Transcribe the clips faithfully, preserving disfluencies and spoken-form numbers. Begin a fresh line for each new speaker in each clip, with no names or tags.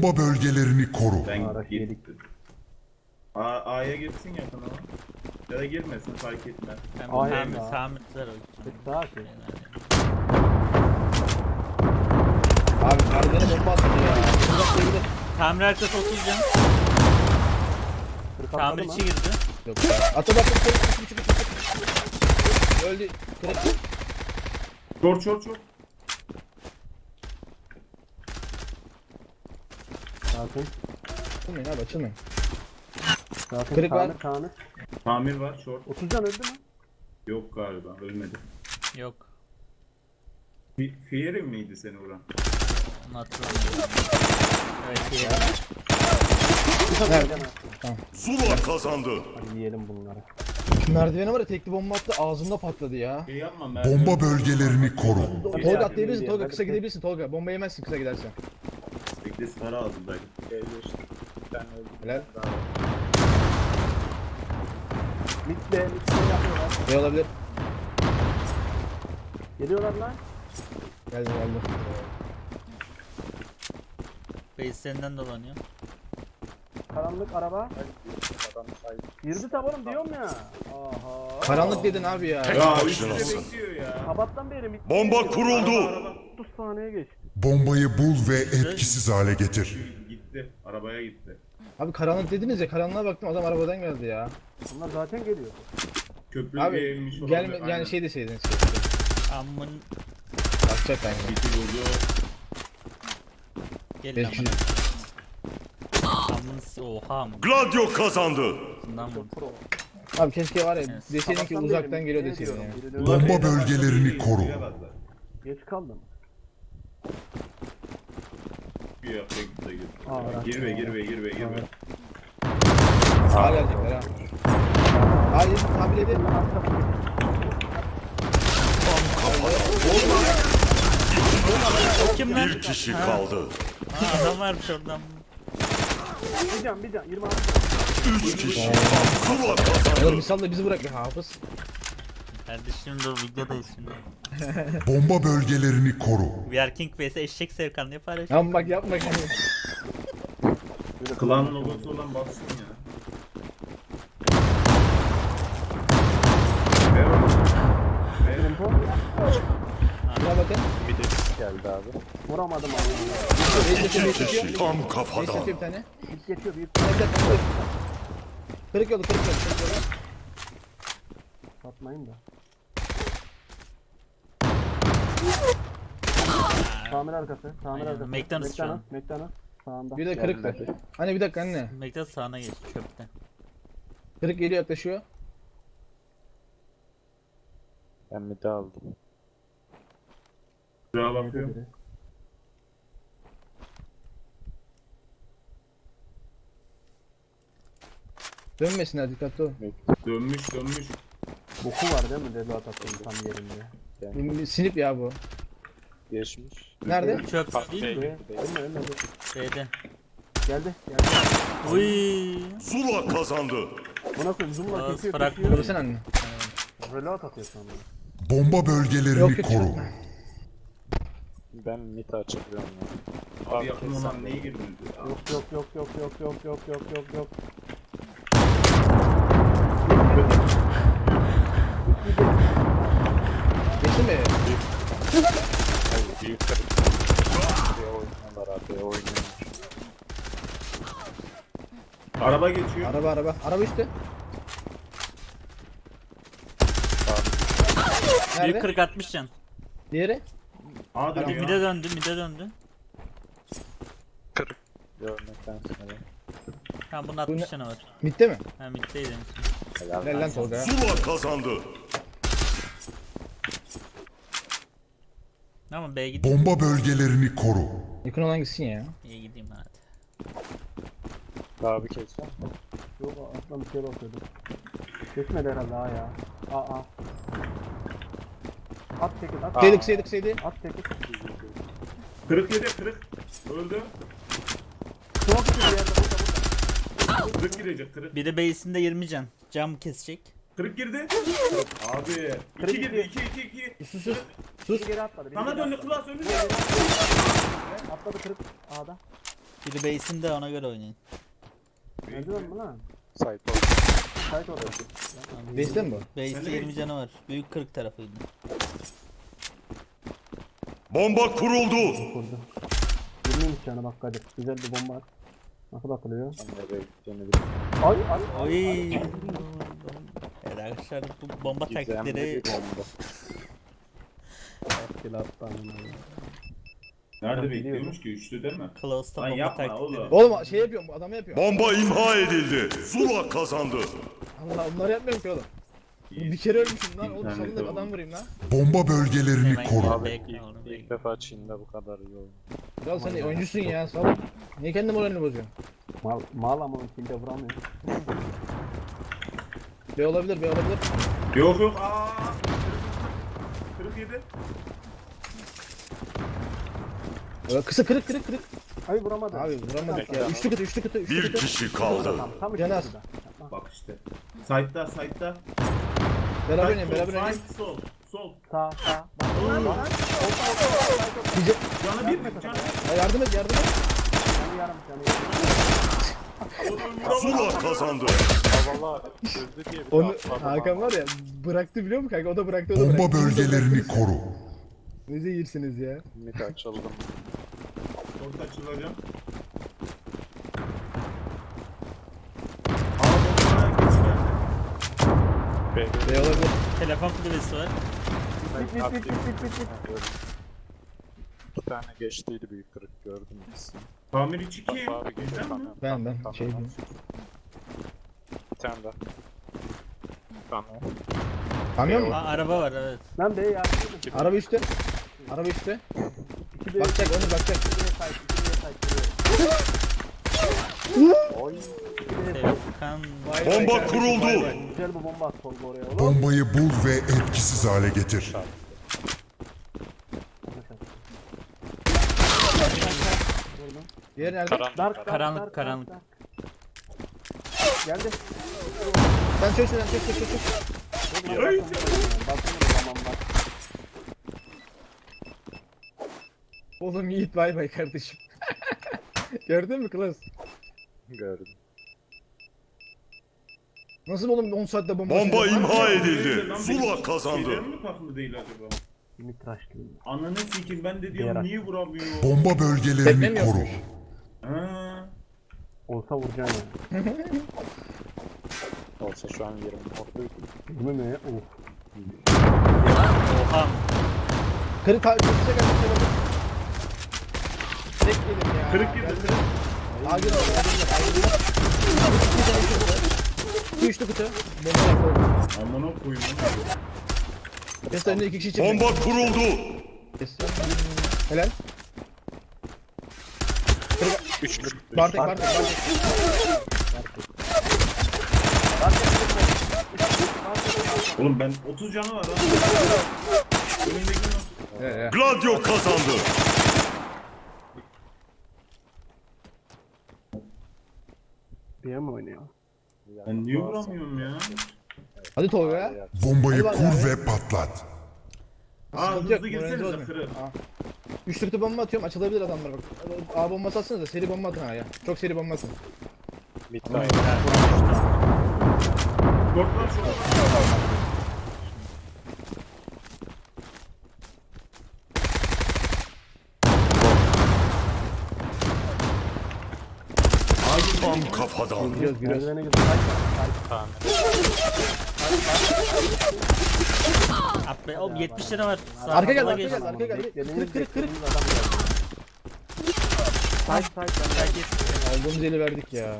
Bomba bölgelerini koru.
Ben
Araç yedik.
gittim. A A'ya girsin yakın ama. Ya da girmesin fark etmez.
Ben
Ay,
tamir,
ya.
tamirciler olacağım.
Daha ki.
Abi merdivene bomba attı ya. Uzak değil.
Tamir arkası otuz can.
Kırık atladı
Tamir
mı?
içi girdi.
Yok. Atı bakın. Çık çık çık. Öldü. Kırık.
Çor çor çor.
Sakin.
Açılmayın abi açılmayın.
Sakin.
Kırık var.
Tamir, tamir.
Tamir var short.
otuz can öldü mü?
Yok galiba ölmedi.
Yok.
Fi Fieri miydi seni vuran?
Onu hatırlamıyorum. Evet iyi.
Nerede?
Zula kazandı.
Hadi yiyelim bunları.
Şu merdivene var ya tekli bomba attı ağzımda patladı ya.
Şey yapma merdiven.
Bomba bölgelerini koru.
Tolga atlayabilirsin. Tolga kısa gidebilirsin Tolga. Bomba yemezsin kısa gidersen.
Bekle para aldım belki.
Helal.
Mitte, mitte yapıyorlar.
Ne olabilir?
Geliyorlar lan.
Geldi geldi.
Base'lerinden dolanıyor.
Karanlık araba. Girdi tabanım diyorum ya. Aha.
Karanlık dedin abi ya.
Ya
Başlasın.
üstüne bekliyor ya.
Sabahtan beri mitte.
Bomba kuruldu.
otuz saniye geçti.
Bombayı bul ve etkisiz hale getir.
Gitti. Arabaya gitti.
Abi karanlık dediniz ya karanlığa baktım adam arabadan geldi ya.
Bunlar zaten geliyor.
Köprü
Abi
eğilmiş olabilir.
gelme
Aynen.
yani şey deseydiniz.
Amın
Bakacak yani.
Biti vurdu.
gel
Beş
amın.
kişi.
Amın s- oha amın.
Gladio kazandı.
Bundan vurdu.
Abi keşke var ya
Evet.
deseydin ki
Sabahtan
uzaktan
beri
geliyor
mitte
deseydin
diyorum.
ya.
Biri de-
Bomba
Ulan
bölgelerini
beyler,
koru.
bilemezler.
Geç kaldım.
Bir yapacak bir şey yok.
Aa,
Girme girme girme girme.
Sağa gelecekler ha. Hayır tahmin edin.
O kim lan?
Bir kişi kaldı.
Ha, adam varmış oradan.
Bir can, bir can. yirmi altı.
Üç kişi. Zula
Oğlum
kazandı.
misal da bizi bırak ya hafız.
Kardeşim dur videodayız şimdi.
Bomba bölgelerini koru.
We are King vs eşek Sevkan diye paylaş.
Tamam bak yapma yani.
Klan logosu olan baksın ya. Ver onu. Ver.
Tempo.
Buna bakın.
Vuramadım abi.
Reis geçiyor, reis
İki
geçiyor.
kişi. Tam
Reis
kafadan.
geçiyor bir tane.
Bit geçiyor büyük.
Evet, evet, evet. Kırık yolu kırık yolu kırık yolu.
Satmayın da. Tamir arkası. Tamir
Aynen,
arkası.
McDonald's şu an.
McDonald's. McDonald's. Sağında.
Bir de kırıktı. Hani bir dakika anne.
Mekta sağına geç çöpte.
Kırık geliyor yaklaşıyor.
Ben midi aldım.
Şuraya bakıyorum.
Dönmesinler dikkatli ol.
Dönmüş dönmüş.
Boku var değil mi? Debat attım tam yerinde.
Bir- bir Sinip ya bu.
Geçmiş.
Nerede?
Çöp değil mi?
Ve ölme ölme. dur.
B'de.
Geldi. Geldi.
Uy.
Zula kazandı.
Buna koyayım. Zoom'la
Ağız
kesiyor
bırak.
kesiyor.
Görürsen anne.
Reload atıyor sonra.
Bomba bölgelerini
Yok, yok,
koru.
yok.
Ben mid açıklıyorum ya.
Abi
Abi
yakın
kesin.
olan neyi girdiniz ya?
Yok yok yok yok yok yok yok yok yok yok.
Geçti mi?
Hayır, büyük kırık. Buraya oynuyorlar abi oynuyorlar.
Araba geçiyor.
Araba araba. Araba üstte.
Büyük
Nerede?
kırık atmış can.
Diğeri?
A
Mide,
dönüyor.
mide döndü, mide döndü.
Görmekten sonra.
Ha bunun
Bu ne?
altmış canı var.
Bitti mi?
Ha middeydi.
Helal.
Helal lan Tolga.
Zula kazandı.
Ama B'ye gideyim.
Bomba bölgelerini koru.
Yakın olan gitsin ya.
İyi gideyim hadi.
Daha bir kez var.
Yok aslında bir şey bakıyordum. Geçmedi herhalde ha ya. Aa aa. At çekil at.
Seydik seydik seydik.
At çekil.
Kırık yedi kırık. Öldü.
Çok güzel yerde burada burada.
Kırık girecek kırık.
Biri base'inde yirmi can. Cam kesecek.
Kırık girdi. Abi.
Kırık
iki girdi
girdi.
iki iki iki.
Sus sus.
Biri geri atladı. Biri
Sana
geri
döndü
atladı.
klas önünde.
Atladı kırık A'da.
Biri base'inde ona göre oynayın.
Merdiven mi lan?
Site oldu.
Kayıt orada.
Base'de mi bu?
Base'de yirmi canı var. Büyük kırık tarafıydı.
Bomba kuruldu.
Kurdu. yirmiymiş yani bak Kadir. Güzel bir bomba at. Nasıl atılıyor?
Ben nereye gideceğini bilmiyorum.
Ay ay ay.
Oy. Evet arkadaşlar bu bomba
Gizemli
taktikleri
bir bomba.
Skill attı amına.
Nerede
Ben
bekliyormuş ki? Üçlü değil mi?
Close'da
Lan
bomba
yapma
taktikleri.
oğlum.
Oğlum şey yapıyorum, adamı yapıyorum.
Bomba imha edildi. Zula kazandı.
Allah onları yapmıyorum ki oğlum. Bir kere ölmüşüm lan oğlum,
İnternette
sonunda
oğlum.
adam vurayım lan.
Bomba bölgelerini
Hemen
koru.
Abi
bekle
ilk,
oğlum,
ilk
bekle.
defa Çin'de bu kadar iyi oyun.
Ya sen oyuncusun ya, sağ ol. Niye kendi moralini bozuyorsun?
Mal, mal ama onun kimde vuramıyor.
B olabilir, B olabilir.
Yok yok. Aa. Kırık yedi.
Ee, Kısa kırık kırık kırık.
Ay vuramadı.
Abi vuramadık ya. Üçlü kıtı, üçlü kıtı, üçlü
Bir
kıtı.
kişi kaldı.
Tam, tam
Caner.
işte burada.
Bak işte. Side'da side'da.
Beraber
Side,
oynayın,
sol,
beraber oynayın.
Side sol. Sol.
Sağ sağ.
Bize...
Canı bir. Canı
Ya yardım et, yardım et.
Yani yarım yani yarım.
Zula kazandı.
Ya valla öldü diye bir de
Onu
atladım
Hakan
ama.
var ya, bıraktı biliyor musun kanka? O da bıraktı, o da
Bomba
bıraktı.
bölgelerini koru.
Ne zeyirsiniz ya.
Mid açıldım.
Orta açılacağım. Aa bomba geç geldi.
B
B olabilir.
Telefon kulübesi var.
Bit bit bit bit bit bit.
İki tane geçtiydi büyük kırık gördüm ikisini.
Tamir içi kim?
Bak abi
Bizden
geliyor
mi?
kamyon.
Ben,
kamyon,
ben,
kamyon.
şey diyeyim.
Bir tane daha. Kamyon.
Kamyon mu?
Aa, araba var evet.
Lan bey yardım edin.
Araba üstte. Araba üstte.
İki bey.
Bakacak, onu bakacak.
İki bey side. İki bey side.
Oy.
İki bey side.
Sevkan.
Vay vay
Bomba
kardeşim,
kuruldu.
vay vay.
Güzel bir bomba at solda oraya oğlum.
Bombayı bul ve etkisiz hale getir.
Diğer nerede?
Karanlık.
Dark, dark,
Karanlık,
dark,
karanlık.
dark, dark. Geldi.
Sen çök sen çök çök çök çök.
Bakın o zaman bak.
Oğlum Yiğit bay bay kardeşim. Gördün mü klas?
Gördüm.
Nasıl oğlum on saatte bomba
Bomba
atıyor?
imha edildi.
Lan
Zula
benim
kazandı.
şeylerim mi farklı değil acaba?
Mitraşlıyım.
Ananı sikim ben de
Diğer
diyorum
at.
niye vuramıyor?
Bomba
Tekne
bölgelerini
mi
koru.
yapmış?
Ha.
Olsa vuracaksın yani.
Olsa şu an yerim oradaydı.
Değil mi? Of.
Oha.
Kırık kırık kırık kırık kırık. Tek yedim ya.
Kırık yedi.
Geldi. Aa gel oraya. İki üçlü kutu. Bomba yapalım.
Amına koyayım.
Kes önünde iki kişi çıktı.
Bomba kuruldu.
Kes. Helal.
Üçlü.
Bartek Bartek Bartek.
Oğlum ben otuz canı var lan. Önündeki nasıl?
Evet, evet.
Gladio kazandı.
Bir yer mi oynuyor?
Ben niye vuramıyorum ya?
Hadi Tolga ya.
Bombayı
Hadi
kur
abi.
ve patlat.
Aa
Sıkıntı yok,
hızlı
moralinizi
girsenize
bozmayın.
kırı.
Aa. Üçlü kutu bomba atıyorum, açılabilir adamlar bak. A bombası atsanız da seri bomba atın ha ya. Çok seri bomba atın.
Mid
Oy,
line.
helal.
Korklar çok.
Tam kafadan.
Giriyoruz giriyoruz.
Merdivene gidin.
Tamam.
At be. Oğlum yetmiş lira var. Sağ
Arka gel,
sola
arka
geç.
gel, arka gel.
Beklediğiniz
Kırık kırık kırık.
beklediğiniz adam geldi. Side side
Gel geç.
Aldığımız eli verdik ya.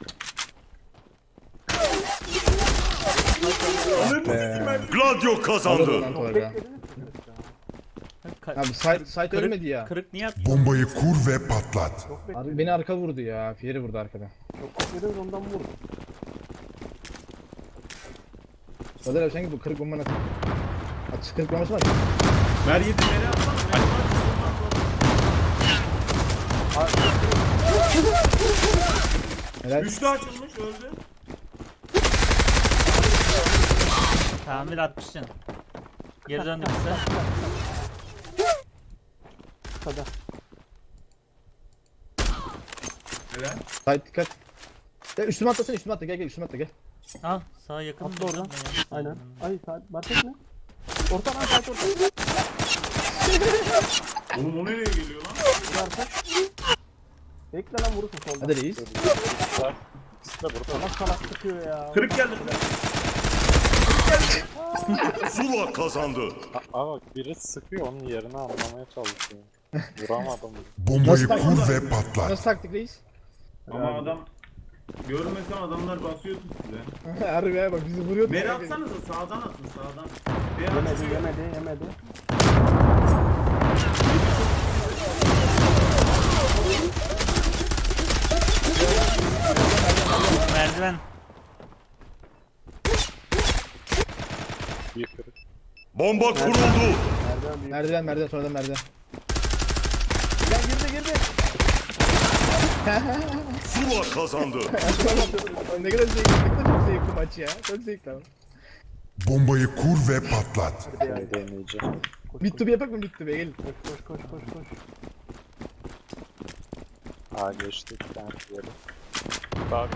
Gladio kazandı.
Lan Tolga.
Beklediniz mi?
Ka-
Abi site, site
kırık-
ölmedi ya.
Kırık niye attın?
Bombayı kur ve patlat.
Çok beklediniz.
Abi beni arka vurdu ya. Fieri vurdu arkadan.
Çok beklediniz ondan vurdum.
Kadir abi sen git bu kırık bomba nasıl? At kırık bombası var.
Ver yedi nereye atsana?
Helal.
Üçlü açılmış öldü.
Tamir altmış can. Geri döndü bize.
Kısa.
Helal.
Sait dikkat. Gel üstüme atlasana üstüme atla gel gel üstüme atla gel.
Ah sağa yakın.
Atla oradan.
durma ya.
Aynen. Ay saat market mi? Orta lan saat orta.
Oğlum o nereye geliyor lan?
Arka. Bekle lan vurursun soldan.
Hadi reis.
Bak, İkisi de burada.
Salak salak sıkıyor ya.
Kırık geldi.
Zula kazandı.
A- Aa biri sıkıyor onun yerini anlamaya çalışıyor. Vuramadım.
Bombayı
Nasıl
kur ve patlat.
Nasıl taktik reis?
Ama adam görmesen adamlar basıyordu size.
Harbi ya bak bizi vuruyordu.
Meri atsanıza sağdan atın sağdan. Bir
Yemedi
atıyor.
yemedi yemedi.
Merdiven.
Bir kırık.
Bomba kuruldu.
Nereden büyük?
Merdiven merdiven sonradan merdiven. Gel girdi girdi.
Zula kazandı.
Ne kadar zevkli, ne kadar çok zevkli maç ya. Çok zevkli ama.
Bombayı kur ve patlat.
Hadi ya.
Bir deneyeceğim.
Koş,
Mid to be yapak mı mid to be gelin.
koş koş koş koş koş.
Aa geçtik ben yeri. Bak.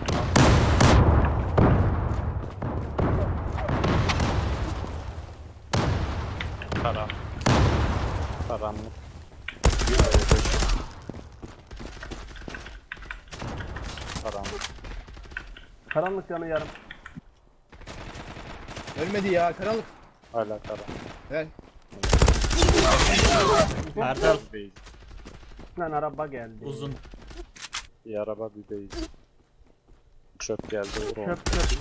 Karan. Karanlık. Karanlık.
Karanlık yanı yarım.
Ölmedi ya karanlık.
Hala karanlık.
Gel.
Erdal
Değil.
Lan araba geldi.
uzun.
Bir araba bir değil. Çöp geldi vur onu.
Çöp çöp.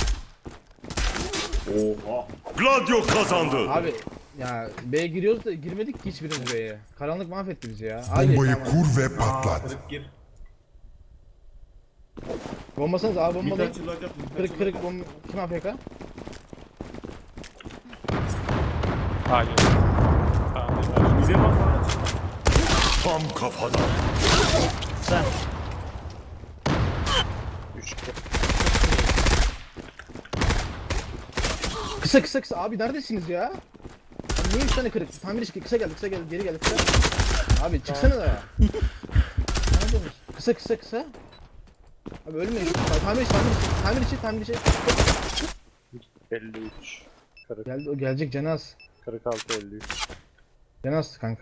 Oha.
Gladio kazandı.
Abi ya B'ye giriyoruz da girmedik ki hiçbirimiz B'ye. Karanlık mahvetti bizi ya. Hayır
Bombayı
tamam.
kur ve
Aa,
patlat.
kırık gir.
Bombasanız abi
Mid
bombalayın.
açılacak mid
Kırık kırık
açılacak.
bomba. Kim A F K?
Hayır. Tamam.
Bize bak lan aç.
Tam kafadan.
Sen.
Üç kırık.
Kısa kısa kısa abi neredesiniz ya? Abi niye üç tane kırık? Tamir işi kısa geldi kısa geldi geri geldi kısa. Abi çıksana da. Neredesiniz? Kısa kısa kısa. Abi ölmeyin. Tamir işi tamir işi tamir işi tamir işi.
elli üç. Kırık.
Geldi o gelecek Canaz.
kırk altı elli üç.
Canaz kanka.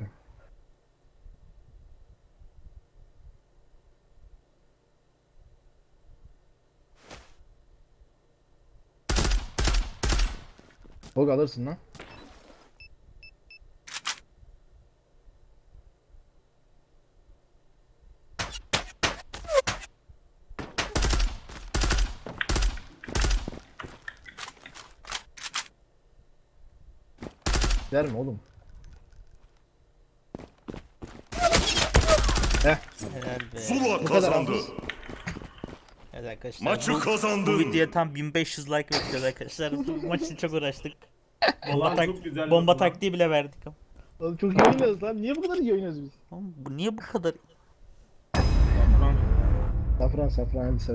Bog alırsın lan. Der mi oğlum? Heh.
Helal be.
Zula
Bu kadar
kazandı.
aldınız.
Evet arkadaşlar.
Maçı
bu,
kazandın.
bu videoya tam bin beş yüz like bekliyoruz arkadaşlar. Bu maç için çok uğraştık. Bomba,
Ulan
tak
çok güzel
bomba
yaptın lan.
taktiği bile verdik.
Oğlum çok iyi oynuyoruz lan. Niye bu kadar iyi oynuyoruz biz?
Oğlum bu niye bu kadar
Safran safran hadi safran.